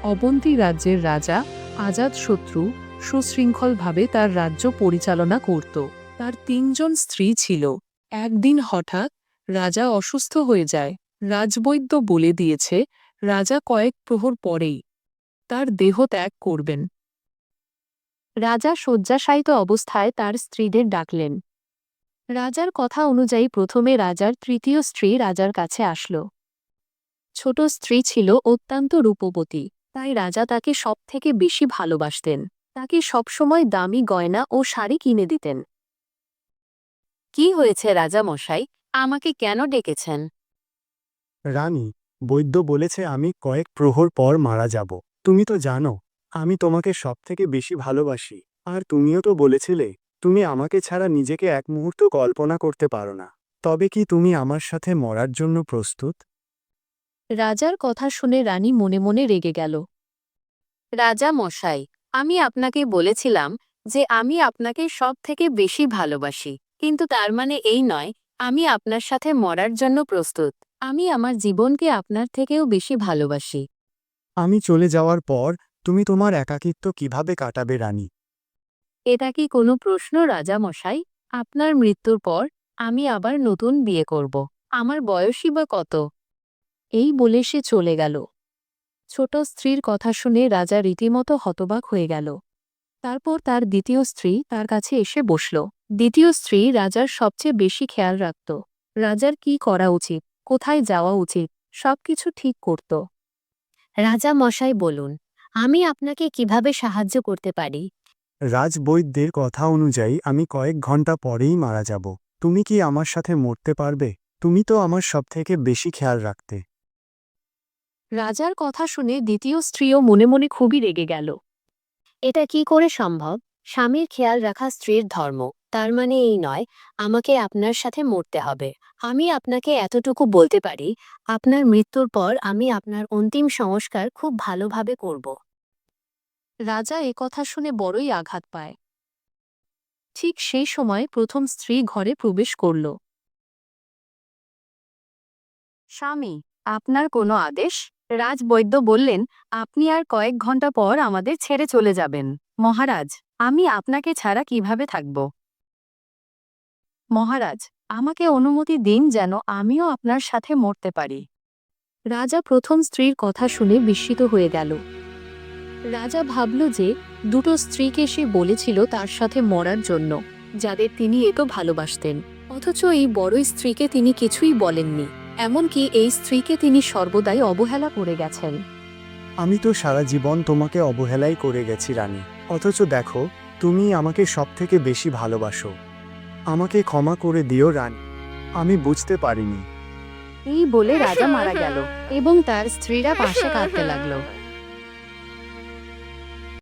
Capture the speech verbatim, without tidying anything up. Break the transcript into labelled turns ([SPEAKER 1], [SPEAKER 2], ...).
[SPEAKER 1] অবন্তী রাজ্যের রাজা আজাতশত্রু সুশৃঙ্খলভাবে তার রাজ্য পরিচালনা করত। তার তিনজন স্ত্রী ছিল। একদিন হঠাৎ রাজা অসুস্থ হয়ে যায়। রাজবৈদ্য বলে দিয়েছে রাজা কয়েক প্রহর পরেই তার দেহ ত্যাগ করবেন। রাজা শয্যাশায়িত অবস্থায় তার স্ত্রীদের ডাকলেন। রাজার কথা অনুযায়ী প্রথমে রাজার তৃতীয় স্ত্রী রাজার কাছে আসল। ছোট স্ত্রী ছিল অত্যন্ত রূপবতী, তাই রাজা তাকে সবথেকে বেশি ভালোবাসতেন। তাকে সবসময় দামি গয়না ও শাড়ি কিনে দিতেন। কি হয়েছে রাজা মশাই, আমাকে কেন ডেকেছেন?
[SPEAKER 2] রানী, বৈদ্য বলেছে আমি কয়েক প্রহর পর মারা যাব। তুমি তো জানো আমি তোমাকে সবথেকে বেশি ভালোবাসি, আর তুমিও তো বলেছিলে তুমি আমাকে ছাড়া নিজেকে এক মুহূর্ত কল্পনা করতে পারো না। তবে কি তুমি আমার সাথে মরার জন্য প্রস্তুত?
[SPEAKER 1] রাজার কথা শুনে রানী মনে মনে রেগে গেল।
[SPEAKER 3] রাজা মশাই, আমি আপনাকে বলেছিলাম যে আমি আপনাকে সব থেকে বেশি ভালোবাসি, কিন্তু তার মানে এই নয় আমি আপনার সাথে মরার জন্য প্রস্তুত। আমি আমার জীবনকে আপনার থেকেও বেশি ভালোবাসি।
[SPEAKER 2] আমি চলে যাওয়ার পর তুমি তোমার একাকিত্ব কিভাবে কাটাবে রানী?
[SPEAKER 3] এটা কি কোনো প্রশ্ন রাজা মশাই? আপনার মৃত্যুর পর আমি আবার নতুন বিয়ে করব। আমার বয়সই বা কত?
[SPEAKER 1] এই বলে সে চলে গেল। ছোট স্ত্রীর কথা শুনে রাজা রীতিমতো হতবাক হয়ে গেল। তারপর তার দ্বিতীয় স্ত্রী তার কাছে এসে বসল। দ্বিতীয় স্ত্রী রাজার সবচেয়ে বেশি খেয়াল রাখত। রাজার কি করা উচিত, কোথায় যাওয়া উচিত, সবকিছু ঠিক করত।
[SPEAKER 3] রাজা মশাই বলুন, আমি আপনাকে কিভাবে সাহায্য করতে পারি?
[SPEAKER 2] রাজবৈদ্যের কথা অনুযায়ী আমি কয়েক ঘন্টা পরেই মারা যাব। তুমি কি আমার সাথে মরতে পারবে? তুমি তো আমার সবথেকে বেশি খেয়াল রাখতে।
[SPEAKER 1] রাজার কথা শুনে দ্বিতীয় স্ত্রীও মনে মনে খুবই রেগে গেল।
[SPEAKER 3] এটা কি করে সম্ভব? স্বামীর খেয়াল রাখা স্ত্রীর ধর্ম, তার মানে এই নয় আমাকে আপনার সাথে মরতে হবে। আমি আপনাকে এতটুকু বলতে পারি, আপনার মৃত্যুর পর আমি আপনার অন্তিম সংস্কার খুব ভালোভাবে করব।
[SPEAKER 1] রাজা এ কথা শুনে বড়ই আঘাত পায়। ঠিক সেই সময় প্রথম স্ত্রী ঘরে প্রবেশ করল।
[SPEAKER 3] স্বামী, আপনার কোনো আদেশ? রাজবৈদ্য বললেন, আপনি আর কয়েক ঘন্টা পর আমাদের ছেড়ে চলে যাবেন। মহারাজ, আমি আপনাকে ছাড়া কিভাবে থাকব?
[SPEAKER 1] মহারাজ, আমাকে অনুমতি দিন যেন আমিও আপনার সাথে মরতে পারি। রাজা প্রথম স্ত্রীর কথা শুনে বিস্মিত হয়ে গেল। রাজা ভাবল যে দুটো স্ত্রীকে সে বলেছিল তার সাথে মরার জন্য, যাদের তিনি এত ভালোবাসতেন, অথচ এই বড় স্ত্রীকে তিনি কিছুই বলেননি। এমনকি এই স্ত্রীকে তিনি সর্বদাই অবহেলা করে গেছেন।
[SPEAKER 2] আমি তো সারা জীবন তোমাকে অবহেলাই করে গেছি রানী, অথচ দেখো তুমি আমাকে সবথেকে বেশি ভালোবাসো। আমাকে ক্ষমা করে দিও রানী, আমি বুঝতে পারিনি।
[SPEAKER 3] এই বলে রাজা মারা গেল এবং তার স্ত্রীরা পাশে কাঁদতে লাগলো।